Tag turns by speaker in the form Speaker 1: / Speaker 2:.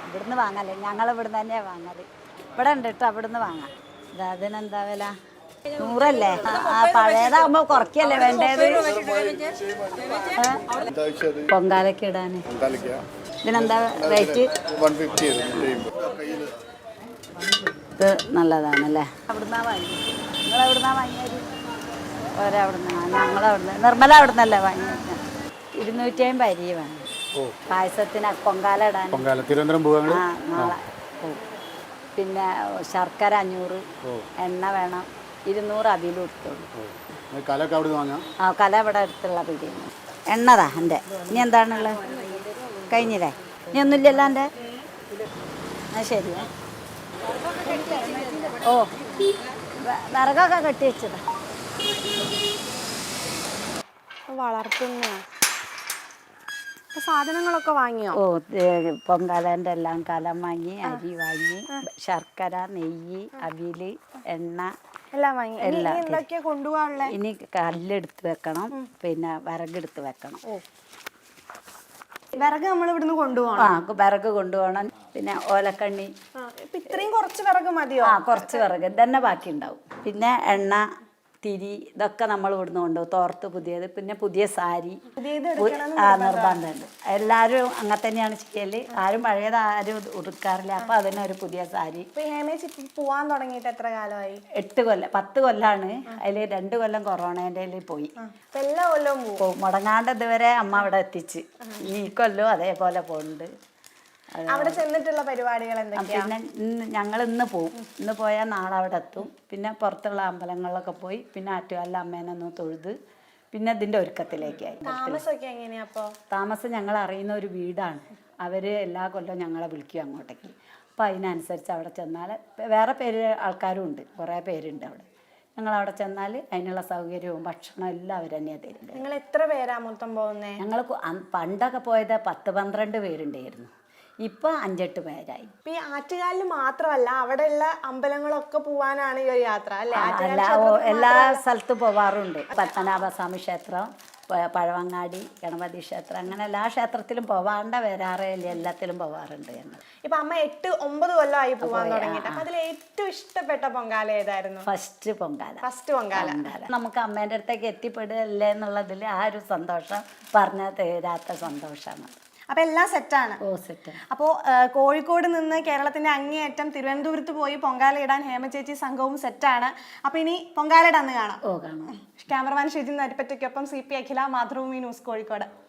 Speaker 1: ഇവിടുന്ന് വാങ്ങല്ലേ, ഞങ്ങൾ ഇവിടുന്ന് തന്നെയാണ് വാങ്ങല്. ഇവിടെ ഉണ്ട് കേട്ടോ, അവിടുന്ന് വാങ്ങാം. അതിനെന്താ വില? 100 പഴയതാകുമ്പോ കുറയ്ക്കല്ലേ വേണ്ടത്? പൊങ്കാലയ്ക്ക് ഇടാന് ഇതിനെന്താ റേറ്റ്? ഇത് നല്ലതാണല്ലേ. അവിടുന്നാ വാങ്ങി? നിങ്ങളെവിടുന്നാ വാങ്ങിയത്? ഒരവിടുന്ന്. ഞങ്ങളവിടുന്ന് നിർമ്മല അവിടുന്നല്ലേ വാങ്ങിയത്. 250 അരി വേണം പായസത്തിന്, പൊങ്കാല ഇടാൻ.
Speaker 2: തിരുവനന്തപുരം പോവാ?
Speaker 1: ആ, നാളെ പോവും. പിന്നെ ശർക്കര 500, എണ്ണ വേണം 200, അവിലും എടുത്തോളൂ.
Speaker 2: കലൊക്കെ അവിടെ വാങ്ങാം.
Speaker 1: ആ, കല ഇവിടെ അടുത്തുള്ള പിടിയിൽ. എണ്ണതാ എൻ്റെ. ഇനി എന്താണുള്ളത്? കഴിഞ്ഞില്ലേ? ഇനി ഒന്നുമില്ലല്ലോ എൻ്റെ? ആ, ശരിയാ. ഓ, വിറകൊക്കെ കെട്ടി വെച്ചതാ.
Speaker 3: വളർത്തുന്ന സാധനങ്ങളൊക്കെ വാങ്ങിയോ?
Speaker 1: ഓ, പൊങ്കാലേൻ്റെ എല്ലാം കലം വാങ്ങി, അരി വാങ്ങി, ശർക്കര, നെയ്യ്, അവില്, എണ്ണ
Speaker 3: എല്ലാം വാങ്ങി.
Speaker 1: എല്ലാം.
Speaker 3: എന്തൊക്കെയാ കൊണ്ടുപോകാനുള്ള?
Speaker 1: ഇനി കല്ലെടുത്ത് വെക്കണം, പിന്നെ വിറകെടുത്ത് വെക്കണം.
Speaker 3: വിറക് നമ്മൾ ഇവിടുന്ന് കൊണ്ടുപോകണം.
Speaker 1: ആ, വിറക് കൊണ്ടുപോകണം. പിന്നെ ഓലക്കണ്ണി.
Speaker 3: ഇത്രയും കുറച്ച് വിറക് മതിയോ?
Speaker 1: ആ, കുറച്ച് വിറക് തന്നെ ബാക്കി ഉണ്ടാവും. പിന്നെ എണ്ണ, തിരി, ഇതൊക്കെ നമ്മൾ ഇവിടുന്ന് കൊണ്ടുപോകും. തോർത്ത് പുതിയത്, പിന്നെ പുതിയ സാരി. ആ, നിർബന്ധമുണ്ട്. എല്ലാവരും അങ്ങനെ തന്നെയാണ് ചെയ്യല്. ആരും പഴയത് ആരും ഉടുക്കാറില്ല. അപ്പൊ അതിനൊരു പുതിയ സാരി.
Speaker 3: പോവാൻ തുടങ്ങിയിട്ട് എത്ര കാലമായി?
Speaker 1: 8 കൊല്ലം 10 കൊല്ലാണ്. അതിൽ 2 കൊല്ലം കൊറോണേൻ്റെ പോയി.
Speaker 3: എല്ലാ കൊല്ലവും
Speaker 1: പോകും. മുടങ്ങാണ്ട് ഇതുവരെ അമ്മ അവിടെ എത്തിച്ച്. ഈ കൊല്ലവും അതേപോലെ പോകുന്നുണ്ട്.
Speaker 3: അവിടെ ചെന്നിട്ടുള്ള പരിപാടികൾ എന്തൊക്കെയാ?
Speaker 1: പിന്നെ ഞങ്ങൾ ഇന്ന് പോവും. ഇന്ന് പോയാൽ നാളെ അവിടെ എത്തും. പിന്നെ പുറത്തുള്ള അമ്പലങ്ങളിലൊക്കെ പോയി, പിന്നെ ആറ്റുകാലിലെ അമ്മേനെ ഒന്ന് തൊഴുത്, പിന്നെ ഇതിൻ്റെ ഒരുക്കത്തിലേക്കായി.
Speaker 3: താമസമൊക്കെ എങ്ങനെയാ?
Speaker 1: താമസം ഞങ്ങൾ അറിയുന്ന ഒരു വീടാണ്. അവർ എല്ലാ കൊല്ലവും ഞങ്ങളെ വിളിക്കും അങ്ങോട്ടേക്ക്. അപ്പോൾ അതിനനുസരിച്ച് അവിടെ ചെന്നാൽ വേറെ ആൾക്കാരും ഉണ്ട്, കുറേ പേരുണ്ട് അവിടെ. ഞങ്ങളവിടെ ചെന്നാൽ അതിനുള്ള സൗകര്യവും ഭക്ഷണവും എല്ലാം അവർ തന്നെയാണ് തരുന്നത്.
Speaker 3: നിങ്ങൾ എത്ര പേരാ മൊത്തം പോകുന്നത്?
Speaker 1: ഞങ്ങൾ പണ്ടൊക്കെ പോയത് 10-12 പേരുണ്ടായിരുന്നു. ഇപ്പൊ 5-8 പേരായി.
Speaker 3: ഈ ആറ്റുകാലിൽ മാത്രമല്ല, അവിടെയുള്ള അമ്പലങ്ങളൊക്കെ പോവാനാണ് ഈ ഒരു യാത്ര അല്ലേ?
Speaker 1: എല്ലാ സ്ഥലത്തും പോവാറുണ്ട്. പത്മനാഭസ്വാമി ക്ഷേത്രം, പഴവങ്ങാടി, ഗണപതി ക്ഷേത്രം, അങ്ങനെ എല്ലാ ക്ഷേത്രത്തിലും പോവാണ്ട വരാറേ ഇല്ല, എല്ലാത്തിലും പോവാറുണ്ട് ഞങ്ങൾ.
Speaker 3: ഇപ്പൊ അമ്മ 8-9 കൊല്ലമായി പോവാൻ തുടങ്ങിയിട്ട്. അപ്പൊ അതിൽ ഏറ്റവും ഇഷ്ടപ്പെട്ട പൊങ്കാല ഏതായിരുന്നു?
Speaker 1: ഫസ്റ്റ് പൊങ്കാല. നമുക്ക് അമ്മേൻ്റെ അടുത്തേക്ക് എത്തിപ്പെടുകയല്ലേ എന്നുള്ളതിൽ ആ ഒരു സന്തോഷം പറഞ്ഞാൽ തീരാത്ത സന്തോഷമാണ്.
Speaker 3: അപ്പൊ എല്ലാം സെറ്റാണ്.
Speaker 1: ഓ, സെറ്റ്.
Speaker 3: അപ്പോൾ കോഴിക്കോട് നിന്ന് കേരളത്തിന്റെ അങ്ങേയറ്റം തിരുവനന്തപുരത്ത് പോയി പൊങ്കാല ഇടാൻ ഹേമചേച്ചി സംഘവും സെറ്റാണ്. അപ്പൊ ഇനി പൊങ്കാലയുടെ അന്ന് കാണാം.
Speaker 1: ഓ, കാണാം.
Speaker 3: ക്യാമറമാൻ ഷിജിൻ നരിപ്പറ്റയ്ക്കൊപ്പം CP അഖില, മാതൃഭൂമി ന്യൂസ്, കോഴിക്കോട്.